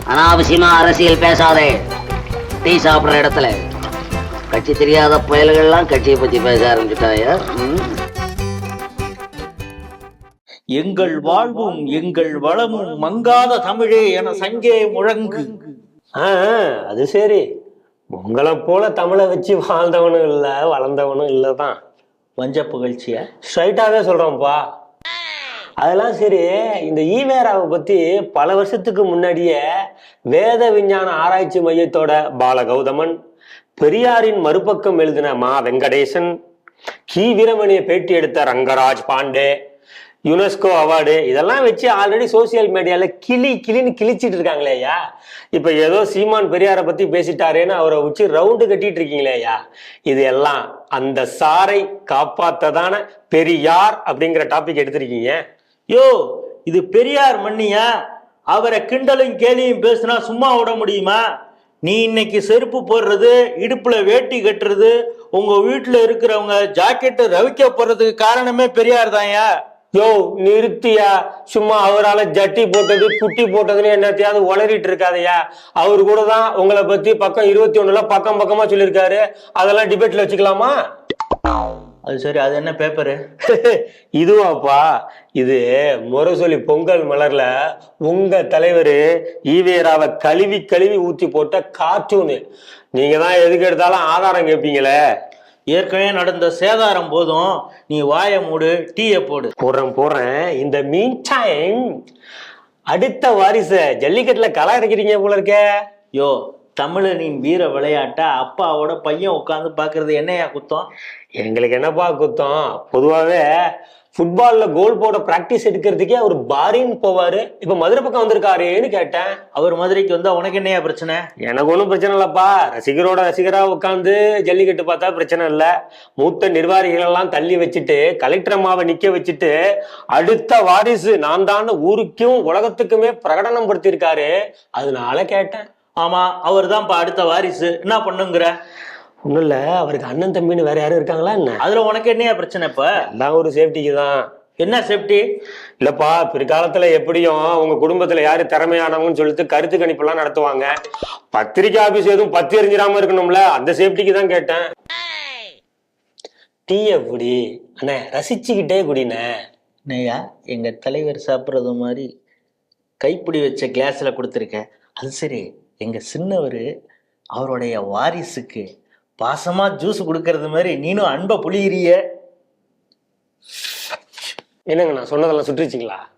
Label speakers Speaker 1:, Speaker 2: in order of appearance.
Speaker 1: அனாவசியமா அரசியல் பேசாதே. டீ சாப்பிடுற இடத்துல கட்சி தெரியாத புயல்கள்லாம் கட்சியை பத்தி பேச ஆரம்பிச்சுட்டாயா?
Speaker 2: எங்கள் வாழ்வும் எங்கள் வளமும் மங்காத தமிழே என சங்கே முழங்கு.
Speaker 3: அது சரி, உங்களை போல தமிழை வச்சு வாழ்ந்தவனும் இல்லை வளர்ந்தவனும் இல்லைதான்.
Speaker 2: வஞ்ச புகழ்ச்சிய
Speaker 3: ஸ்ட்ரைட்டாவே சொல்றோம்ப்பா. அதெல்லாம் சரி, இந்த ஈவேராவை பத்தி பல வருஷத்துக்கு முன்னாடியே வேத விஞ்ஞான ஆராய்ச்சி மையத்தோட பாலகௌதமன், பெரியாரின் மறுபக்கம் எழுதின மா வெங்கடேசன், கி வீரமணியை பேட்டி எடுத்த ரங்கராஜ் பாண்டே, யுனெஸ்கோ அவார்டு இதெல்லாம் வச்சு ஆல்ரெடி சோசியல் மீடியால கிளின்னு கிழிச்சிட்டு இருக்காங்களே ஐயா. இப்ப ஏதோ சீமான் பெரியாரை பத்தி பேசிட்டாரேன்னு அவரை வச்சு ரவுண்டு கட்டிட்டு இருக்கீங்களே ஐயா. இது எல்லாம் அந்த சாரை காப்பாத்ததான பெரியார் அப்படிங்கிற டாபிக் எடுத்திருக்கீங்க.
Speaker 2: யோ, இது பெரியார் மண்ணியா? அவரை கிண்டலும் கேலியும் பேசினா சும்மா விட முடியுமா? நீ இன்னைக்கு செருப்பு போடுறது, இடுப்புல வேட்டி கட்டுறது, உங்க வீட்டுல இருக்கிறவங்க ஜாக்கெட்டு ரவிக்க போறதுக்கு காரணமே பெரியார் தான்யா.
Speaker 3: யோ நிறுத்தியா, சும்மா அவரால் ஜட்டி போட்டது குட்டி போட்டதுன்னு என்னத்தையாவது உளறிட்டு இருக்காதையா. அவரு கூட தான் உங்களை பத்தி பக்கம் 21 பக்கம் பக்கமா சொல்லியிருக்காரு. அதெல்லாம் டிபேட்ல வச்சுக்கலாமா?
Speaker 2: அது சரி, அது என்ன பேப்பரு?
Speaker 3: இதுவாப்பா, இது முரசொலி பொங்கல் மலர்ல உங்க தலைவர் ஈவேராவை கழுவி கழுவி ஊத்தி போட்ட கார்ட்டூனு. நீங்க தான் எதுக்கு எடுத்தாலும் ஆதாரம் கேட்பீங்களே.
Speaker 2: ஏற்கனவே நடந்த சேதாரம் போதும், நீ வாய மூடு, டீயை போடு.
Speaker 3: போடுறேன். இந்த மீன் டைம் அடுத்த வாரிச ஜல்லிக்கட்டுல களை இறக்கிறீங்க போல இருக்க.
Speaker 2: யோ, தமிழனின் வீர விளையாட்டை அப்பாவோட பையன் உட்காந்து பாக்குறது என்னையா குத்தம்?
Speaker 3: எங்களுக்கு என்னப்பா குத்தம்? பொதுவாகவே ஃபுட்பால்ல கோல் போட பிராக்டிஸ் எடுக்கிறதுக்கே அவர் பாரின்னு போவாரு. இப்ப மதுரை பக்கம் வந்திருக்காருன்னு கேட்டேன்.
Speaker 2: அவர் மதுரைக்கு வந்தா உனக்கு என்னையா பிரச்சனை?
Speaker 3: எனக்கு ஒன்றும் பிரச்சனை இல்லப்பா. ரசிகரோட ரசிகரா உட்காந்து ஜல்லிக்கட்டு பார்த்தா பிரச்சனை இல்லை. மூத்த நிர்வாகிகள் எல்லாம் தள்ளி வச்சுட்டு கலெக்டர் அம்மாவை நிக்க வச்சுட்டு அடுத்த வாரிசு நான் தான் ஊருக்கும் உலகத்துக்குமே பிரகடனம் படுத்திருக்காரு. அதனால கேட்டேன்.
Speaker 2: ஆமா, அவர் தான் அடுத்த வாரிசு. என்ன பண்ணுங்கிற?
Speaker 3: ஒண்ணும் இல்ல, அவருக்கு அண்ணன் தம்பின்னு வேற யாரும் இருக்காங்களா என்ன?
Speaker 2: அதுல உனக்கு என்னையா பிரச்சனை? இப்ப
Speaker 3: எல்லாம் ஒரு சேஃப்டிக்கு தான்.
Speaker 2: என்ன சேஃப்டி?
Speaker 3: இல்லப்பா, பிற்காலத்துல எப்படியும் உங்க குடும்பத்துல யாரு திறமையானவங்கன்னு சொல்லிட்டு கருத்து கணிப்பு எல்லாம் நடத்துவாங்க. பத்திரிக்கை ஆபீஸ் எதுவும் பத்தி எரிஞ்சிடாம இருக்கணும்ல, அந்த சேஃப்டிக்கு தான் கேட்டேன். டீ எப்படி அண்ணே? ரசிச்சுக்கிட்டே குடினே.
Speaker 2: நையா, எங்க தலைவர் சாப்பிட்றது மாதிரி கைப்பிடி வச்ச கிளாஸ்ல கொடுத்துருக்க. அது சரி, எங்க சின்னவர் அவருடைய வாரிசுக்கு பாசமா ஜூஸ் கொடுக்கறது மாதிரி நீனும் அன்பை புளிகிறிய.
Speaker 3: என்னங்க நான் சொன்னதெல்லாம் சுட்டுருச்சிங்களா?